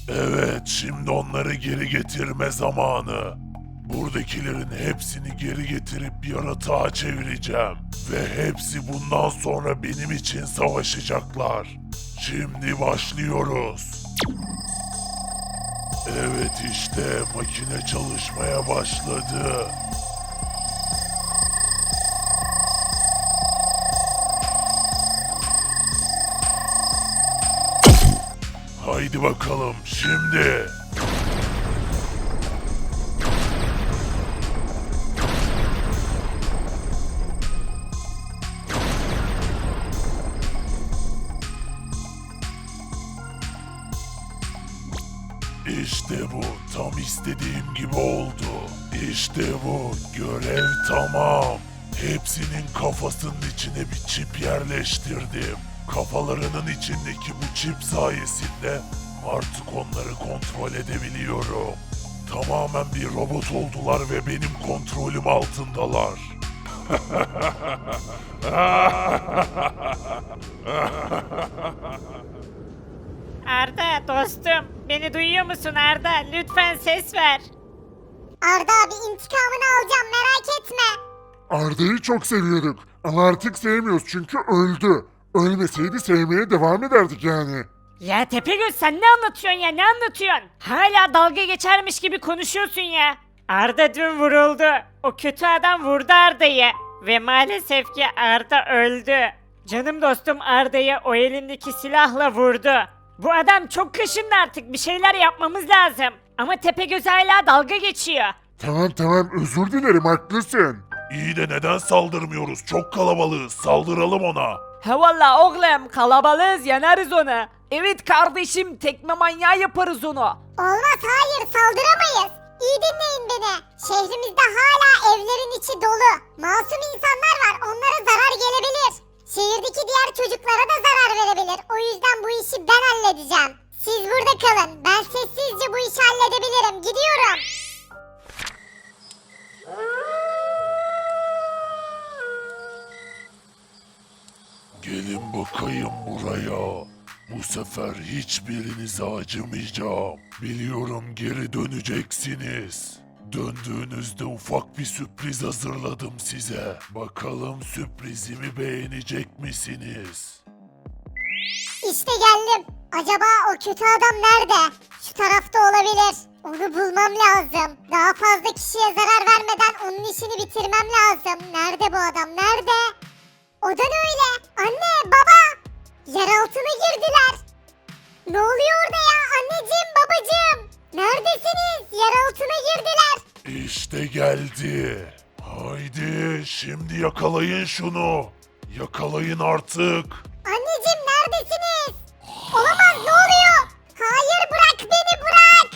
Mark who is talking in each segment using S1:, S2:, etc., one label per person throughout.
S1: Evet, şimdi onları geri getirme zamanı. Buradakilerin hepsini geri getirip yaratığa çevireceğim. Ve hepsi bundan sonra benim için savaşacaklar. Şimdi başlıyoruz. Evet, işte makine çalışmaya başladı. Haydi bakalım şimdi. İşte bu, tam istediğim gibi oldu. İşte bu, görev tamam. Hepsinin kafasının içine bir çip yerleştirdim. Kafalarının içindeki bu çip sayesinde artık onları kontrol edebiliyorum. Tamamen bir robot oldular ve benim kontrolüm altındalar.
S2: Arda dostum, beni duyuyor musun Arda? Lütfen ses ver.
S3: Arda abi intikamını alacağım merak etme.
S4: Arda'yı çok seviyorduk ama artık sevmiyoruz çünkü öldü. Ölmeseydi sevmeye devam ederdik yani.
S2: Ya Tepegöz sen ne anlatıyorsun ya, ne anlatıyorsun? Hala dalga geçermiş gibi konuşuyorsun ya. Arda dün vuruldu. O kötü adam vurdu Arda'yı. Ve maalesef ki Arda öldü. Canım dostum Arda'yı o elindeki silahla vurdu. Bu adam çok kaşındı, artık bir şeyler yapmamız lazım. Ama Tepegöz hala dalga geçiyor.
S4: Tamam özür dilerim haklısın.
S1: İyi de neden saldırmıyoruz? Çok kalabalığız. Saldıralım ona.
S5: He valla oğlum kalabalığız yeneriz onu. Evet kardeşim tekme manyağı yaparız onu.
S3: Olmaz hayır saldıramayız. İyi dinleyin beni. Şehrimizde hala evlerin içi dolu. Masum insanlar var, onlara zarar gelebilir. Şehirdeki diğer çocuklara da zarar verebilir. O yüzden bu işi ben halledeceğim. Siz burada kalın. Ben sessizce bu işi halledebilirim. Gidiyorum.
S1: Gelin bakayım buraya. Bu sefer hiçbirinize acımayacağım. Biliyorum geri döneceksiniz. Döndüğünüzde ufak bir sürpriz hazırladım size. Bakalım sürprizimi beğenecek misiniz?
S3: İşte geldim. Acaba o kötü adam nerede? Şu tarafta olabilir. Onu bulmam lazım. Daha fazla kişiye zarar vermeden onun işini bitirmem lazım. Nerede bu adam? Nerede? O da ne öyle? Anne, baba! Yer altına girdiler. Ne oluyor orada ya? Anneciğim, babacığım! Neredesiniz? Yer altına girdiler.
S1: İşte geldi. Haydi şimdi yakalayın şunu. Yakalayın artık.
S3: Anneciğim neredesiniz? Olamaz, ne oluyor? Hayır, bırak beni, bırak!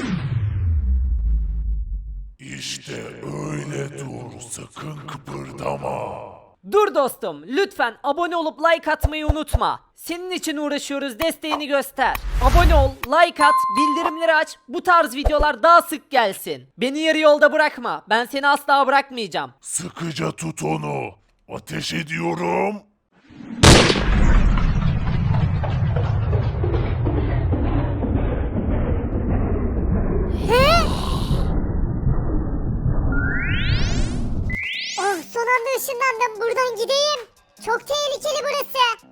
S1: İşte öyle dur. Sakın kıpırdama.
S5: Dur dostum lütfen abone olup like atmayı unutma. Senin için uğraşıyoruz, desteğini göster. Abone ol, like at, bildirimleri aç. Bu tarz videolar daha sık gelsin. Beni yarı yolda bırakma. Ben seni asla bırakmayacağım.
S1: Sıkıca tut onu. Ateş ediyorum.
S3: Oh, son anda ışınlandım. Buradan gideyim. Çok tehlikeli burası.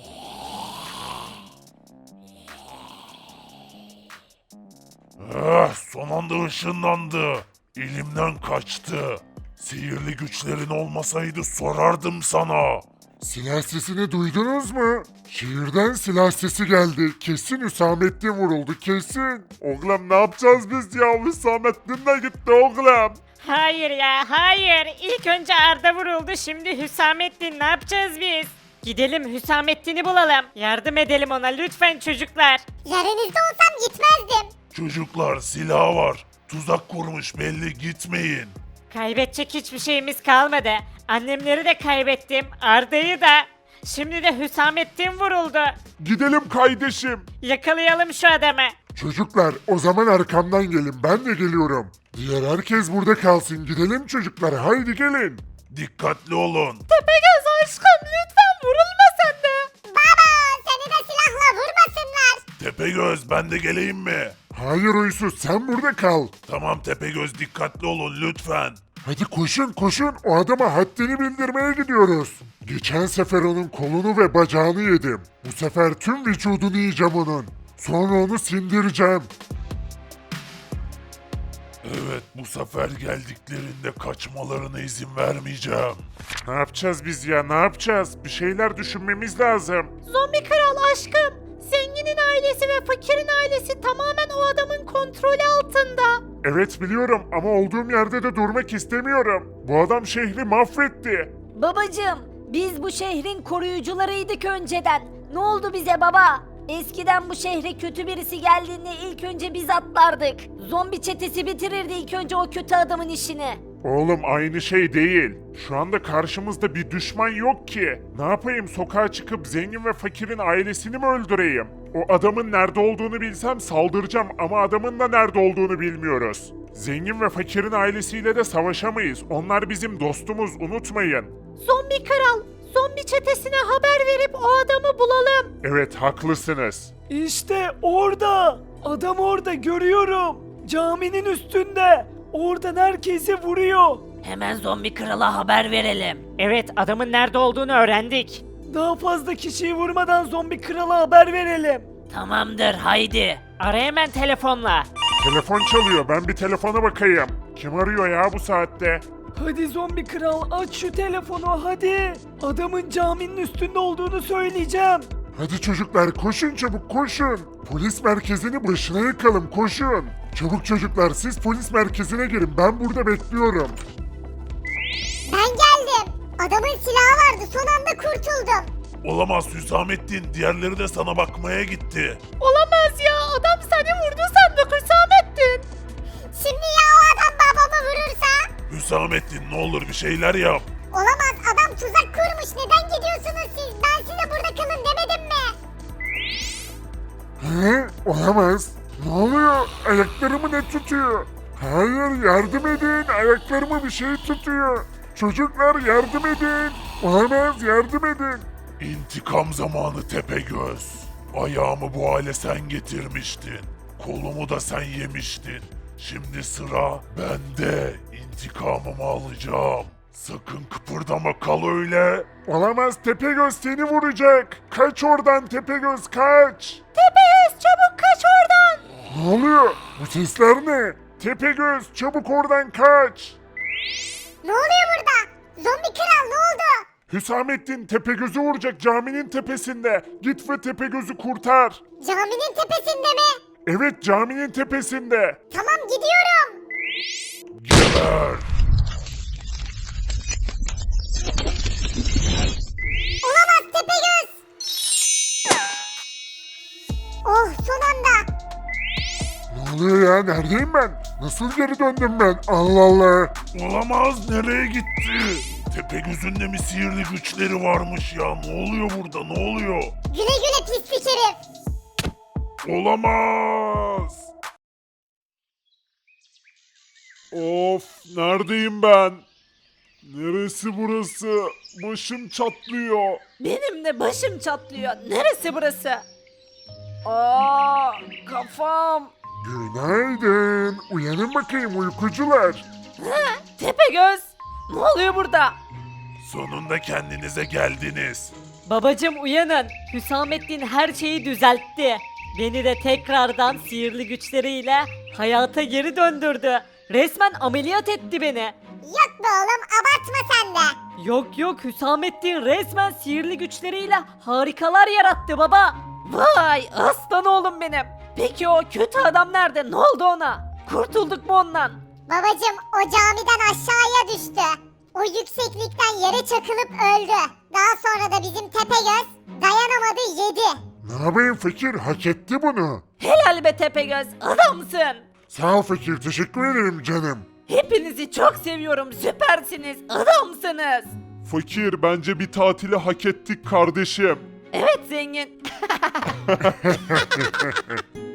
S1: Son anda ışınlandı. Elimden kaçtı. Sihirli güçlerin olmasaydı sorardım sana.
S4: Silah sesini duydunuz mu? Şehirden silah sesi geldi. Kesin Hüsamettin vuruldu kesin. Oğlum ne yapacağız biz ya? Hüsamettin de gitti oğlum.
S2: Hayır ya, hayır. İlk önce Arda vuruldu, şimdi Hüsamettin. Ne yapacağız biz? Gidelim Hüsamettin'i bulalım. Yardım edelim ona lütfen çocuklar.
S3: Yerinizde olsam gitmezdim.
S1: Çocuklar silah var. Tuzak kurmuş belli, gitmeyin.
S2: Kaybedecek hiçbir şeyimiz kalmadı. Annemleri de kaybettim, Arda'yı da. Şimdi de Hüsamettin vuruldu.
S4: Gidelim kardeşim.
S2: Yakalayalım şu adamı.
S4: Çocuklar o zaman arkamdan gelin ben de geliyorum. Diğer herkes burada kalsın gidelim çocuklar haydi gelin.
S1: Dikkatli olun.
S5: Tepegöz aşkım lütfen vurulma sen de.
S3: Baba, seni de silahla vurmasınlar.
S1: Tepegöz ben de geleyim mi?
S4: Hayır Huysuz sen burada kal.
S1: Tamam Tepegöz dikkatli olun lütfen.
S4: Hadi koşun koşun o adama haddini bildirmeye gidiyoruz. Geçen sefer onun kolunu ve bacağını yedim. Bu sefer tüm vücudunu yiyeceğim onun. Sonra onu sindireceğim.
S1: Evet bu sefer geldiklerinde kaçmalarına izin vermeyeceğim.
S4: Ne yapacağız biz ya ne yapacağız? Bir şeyler düşünmemiz lazım.
S5: Zombi kral aşkım. Zenginin ailesi ve fakirin ailesi tamamen o adamın kontrolü altında.
S4: Evet biliyorum ama olduğum yerde de durmak istemiyorum. Bu adam şehri mahvetti.
S6: Babacım, biz bu şehrin koruyucularıydık önceden. Ne oldu bize baba? Eskiden bu şehre kötü birisi geldiğinde ilk önce biz atlardık. Zombi çetesi bitirirdi ilk önce o kötü adamın işini.
S4: Oğlum aynı şey değil. Şu anda karşımızda bir düşman yok ki. Ne yapayım sokağa çıkıp zengin ve fakirin ailesini mi öldüreyim? O adamın nerede olduğunu bilsem saldıracağım ama adamın da nerede olduğunu bilmiyoruz. Zengin ve fakirin ailesiyle de savaşamayız. Onlar bizim dostumuz unutmayın.
S5: Zombi kral, zombi çetesine haber verip o adamı bulalım.
S4: Evet haklısınız.
S7: İşte orada. Adam orada görüyorum. Caminin üstünde. Oradan herkesi vuruyor.
S6: Hemen zombi krala haber verelim.
S2: Evet adamın nerede olduğunu öğrendik.
S7: Daha fazla kişiyi vurmadan zombi krala haber verelim.
S6: Tamamdır haydi.
S2: Ara hemen telefonla.
S4: Telefon çalıyor ben bir telefona bakayım. Kim arıyor ya bu saatte?
S7: Hadi zombi kral aç şu telefonu hadi. Adamın caminin üstünde olduğunu söyleyeceğim.
S4: Hadi çocuklar koşun çabuk koşun. Polis merkezini başına yakalım koşun. Çabuk çocuklar siz polis merkezine girin ben burada bekliyorum.
S3: Ben geldim. Adamın silahı vardı son anda kurtuldum.
S1: Olamaz Hüsamettin diğerleri de sana bakmaya gitti.
S5: Olamaz ya, adam seni vurdu sandık Hüsamettin.
S3: Şimdi ya o adam babamı vurursa?
S1: Hüsamettin ne olur bir şeyler yap.
S3: Olamaz adam tuzak kurmuş. Neden gidiyorsunuz siz? Ben size burada kalın demedim mi?
S4: He? Olamaz. Ne oluyor? Ayaklarımı ne tutuyor? Hayır yardım edin. Ayaklarımı bir şey tutuyor. Çocuklar yardım edin. Olamaz yardım edin.
S1: İntikam zamanı Tepegöz. Ayağımı bu hale sen getirmiştin. Kolumu da sen yemiştin. Şimdi sıra bende. İntikamımı alacağım. Sakın kıpırdama kal öyle.
S4: Olamaz Tepegöz seni vuracak. Kaç oradan Tepegöz kaç.
S5: Tepegöz çabuk kaç oradan.
S4: Ne oluyor? Bu sesler ne? Tepegöz çabuk oradan kaç.
S3: Ne oluyor burada? Zombi kral ne oldu?
S4: Hüsamettin Tepegöz'ü vuracak caminin tepesinde. Git ve Tepegöz'ü kurtar.
S3: Caminin tepesinde mi?
S4: Evet caminin tepesinde.
S3: Tamam gidiyorum.
S1: Geber.
S3: Olamaz Tepegöz. Oh son anda.
S4: Ne oluyor ya? Neredeyim ben? Nasıl geri döndüm ben? Allah Allah.
S1: Olamaz nereye gitti? Tepegöz'ün de mi sihirli güçleri varmış ya? Ne oluyor burada ne oluyor?
S3: Güle güle pislik herif.
S1: Olamaz.
S4: Of neredeyim ben? Neresi burası? Başım çatlıyor.
S5: Benim de başım çatlıyor. Neresi burası? Aa, kafam.
S4: Günaydın. Uyanın bakayım uykucular.
S5: Tepegöz. Ne oluyor burada?
S1: Sonunda kendinize geldiniz.
S2: Babacım uyanın. Hüsamettin her şeyi düzeltti. Beni de tekrardan sihirli güçleriyle hayata geri döndürdü. Resmen ameliyat etti beni.
S3: Yok be oğlum abartma sen de.
S2: Yok yok Hüsamettin resmen sihirli güçleriyle harikalar yarattı baba.
S5: Vay aslan oğlum benim. Peki o kötü adam nerede? Ne oldu ona? Kurtulduk mu ondan?
S3: Babacım o camiden aşağıya düştü. O yükseklikten yere çakılıp öldü. Daha sonra da bizim Tepegöz dayanamadı yedi.
S4: Ne yapayım fakir? Hak etti bunu.
S5: Helal be Tepegöz, adamsın.
S4: Sağ ol fakir. Teşekkür ederim canım.
S5: Hepinizi çok seviyorum, süpersiniz, adamsınız.
S4: Fakir bence bir tatili hak ettik kardeşim.
S5: Evet zengin.